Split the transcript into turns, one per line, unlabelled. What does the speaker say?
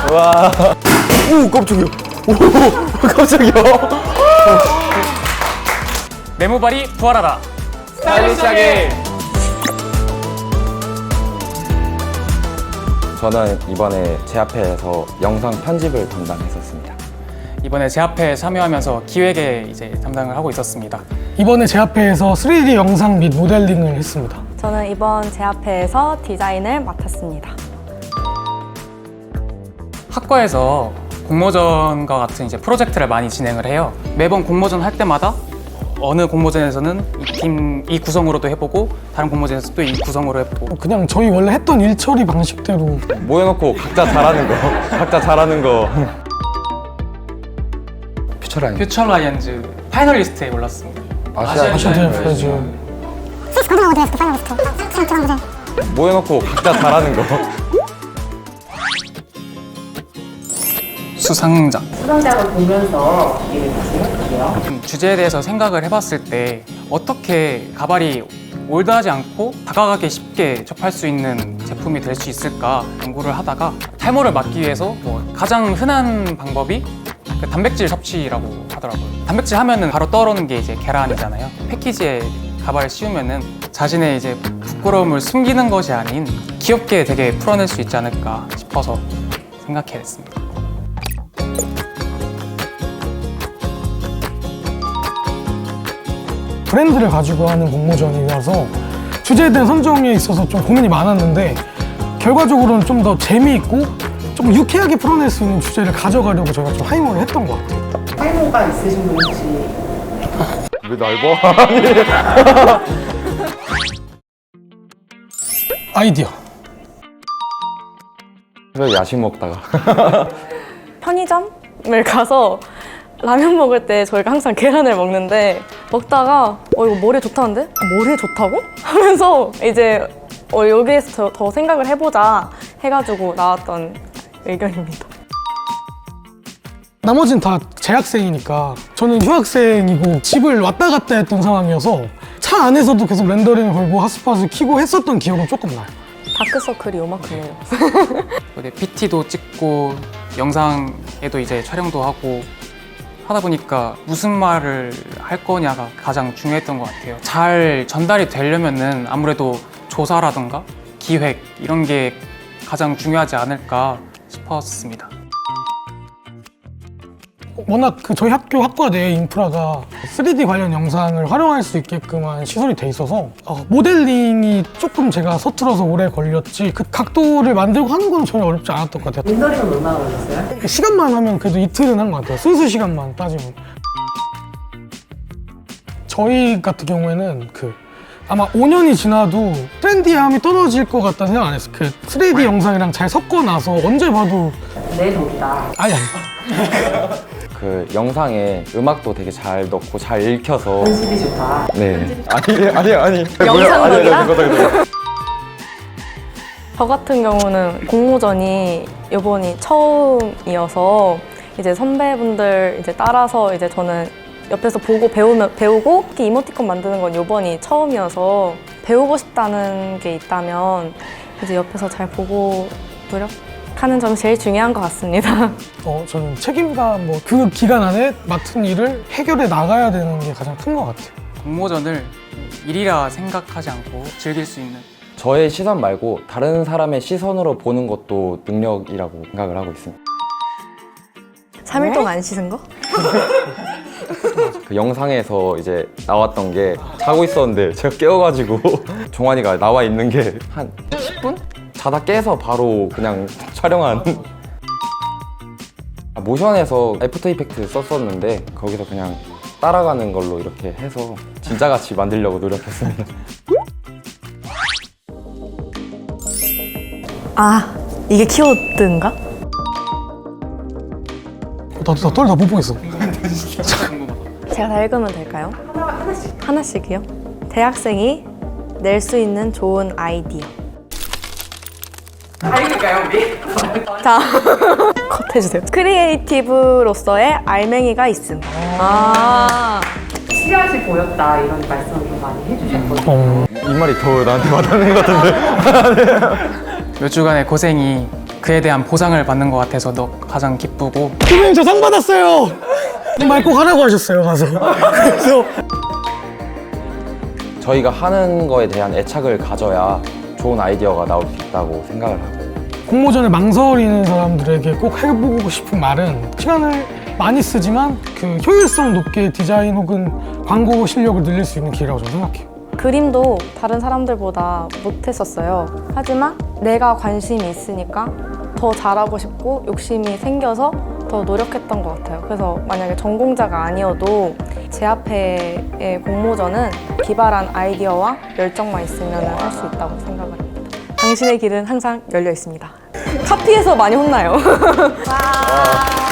와. 오, 깜짝이야. 오, 깜짝이야.
내 모발이 부활하라.
스타일리시하게. 저는 이번에 제아페에서 영상 편집을 담당했었습니다.
이번에 제아페에 참여하면서 기획에 이제 담당을 하고 있었습니다.
이번에 제아페에서 3D 영상 및 모델링을 했습니다.
저는 이번 제아페에서 디자인을 맡았습니다.
학과에서 공모전과 같은 이제 프로젝트를 많이 진행을 해요. 매번 공모전 할 때마다 어느 공모전에서는 이 구성으로도 해보고 다른 공모전에서 또 이 구성으로 해보고
그냥 저희 원래 했던 일 처리 방식대로
모여놓고 각자 잘하는 거. 각자 잘하는 거. 퓨처라인.
퓨처 라이언즈 파이널리스트에 올랐습니다.
아시아 프레즈
모여놓고 각자 잘하는 거.
수상작.
수상작을 보면서 이게 생각하세요?
주제에 대해서 생각을 해봤을 때 어떻게 가발이 올드하지 않고 다가가기 쉽게 접할 수 있는 제품이 될 수 있을까 연구를 하다가 탈모를 막기 위해서 가장 흔한 방법이 그 단백질 섭취라고 하더라고요. 단백질 하면은 바로 떠오르는 게 이제 계란이잖아요. 패키지에 가발을 씌우면은 자신의 이제 부끄러움을 숨기는 것이 아닌 귀엽게 되게 풀어낼 수 있지 않을까 싶어서 생각해 냈습니다.
브랜드를 가지고 하는 공모전이라서 주제에 대한 선정에 있어서 좀 고민이 많았는데 결과적으로는 좀 더 재미있고 좀 유쾌하게 풀어낼 수 있는 주제를 가져가려고 저희가 좀 하이모를 했던 것 같아요.
탈모가 있으신 분 혹시
왜 날 봐?
아이디어.
왜 야식 먹다가.
편의점을 가서 라면 먹을 때 저희가 항상 계란을 먹는데 먹다가 이거 머리에 좋다는데? 머리에 좋다고? 하면서 이제 여기에서 더 생각을 해보자 해가지고 나왔던 의견입니다.
나머지는 다 재학생이니까 저는 휴학생이고 집을 왔다 갔다 했던 상황이어서 차 안에서도 계속 렌더링을 걸고 핫스팟을 켜고 했었던 기억은 조금 나요.
다크서클이 요만큼이에요.
이제 PT도 찍고 영상에도 이제 촬영도 하고 하다 보니까 무슨 말을 할 거냐가 가장 중요했던 것 같아요. 잘 전달이 되려면은 아무래도 조사라던가 기획 이런 게 가장 중요하지 않을까 싶었습니다.
워낙 저희 학교 학과 내 인프라가 3D 관련 영상을 활용할 수 있게끔 한 시설이 돼 있어서 모델링이 조금 제가 서툴러서 오래 걸렸지 그 각도를 만들고 하는 건 전혀 어렵지 않았던 것 같아요.
렌더링은 얼마나 걸렸어요?
시간만 하면 그래도 이틀은 한 것 같아요. 순수 시간만 따지면. 저희 같은 경우에는 아마 5년이 지나도 트렌디함이 떨어질 것 같다는 생각 안 했어요. 3D 영상이랑 잘 섞어 놔서 언제 봐도
내 덕이다.
아니
그 영상에 음악도 되게 잘 넣고 잘 읽혀서.
편집이 좋다.
네. 아니.
영상덕이라?
그거다.
저 같은 경우는 공모전이 이번이 처음이어서 이제 선배분들 이제 따라서 이제 저는 옆에서 보고 배우고 특히 이모티콘 만드는 건 이번이 처음이어서 배우고 싶다는 게 있다면 이제 옆에서 잘 보고 노력하는 점이 제일 중요한 것 같습니다.
저는 책임감 그 기간 안에 맡은 일을 해결해 나가야 되는 게 가장 큰 것 같아요.
공모전을 일이라 생각하지 않고 즐길 수 있는
저의 시선 말고 다른 사람의 시선으로 보는 것도 능력이라고 생각을 하고 있습니다.
3일 동안 안 씻은 거?
그 영상에서 이제 나왔던 게 자고 있었는데 제가 깨워가지고 종환이가 나와 있는 게 한 10분? 자다 깨서 바로 그냥 촬영한. 모션에서 애프터 이펙트 썼었는데 거기서 그냥 따라가는 걸로 이렇게 해서 진짜같이 만들려고 노력했습니다.
아, 이게 키워드인가?
나도 떨다 못 보겠어.
제가 다 읽으면 될까요? 하나씩이요? 대학생이 낼 수 있는 좋은 아이디어.
알릴까요, 우리?
자, 컷해주세요. 크리에이티브로서의 알맹이가 있음.
시야시 보였다 이런 말씀을 좀 많이 해주셨거든요.
이 말이 더 나한테 와닿는 것 같은데.
몇 주간의 고생이 그에 대한 보상을 받는 것 같아서 가장 기쁘고
선배님 저 상 받았어요. 이 말 꼭 하라고 하셨어요 가서. 그래서
저희가 하는 거에 대한 애착을 가져야 좋은 아이디어가 나올 수 있다고 생각을 하고
공모전을 망설이는 사람들에게 꼭 해보고 싶은 말은 시간을 많이 쓰지만 그 효율성 높게 디자인 혹은 광고 실력을 늘릴 수 있는 기회라고 저는 생각해요.
그림도 다른 사람들보다 못했었어요. 하지만 내가 관심이 있으니까 더 잘하고 싶고 욕심이 생겨서 더 노력했던 것 같아요. 그래서 만약에 전공자가 아니어도 제 앞에의 공모전은 기발한 아이디어와 열정만 있으면 할 수 있다고 생각을 합니다. 당신의 길은 항상 열려 있습니다. 카피해서 많이 혼나요.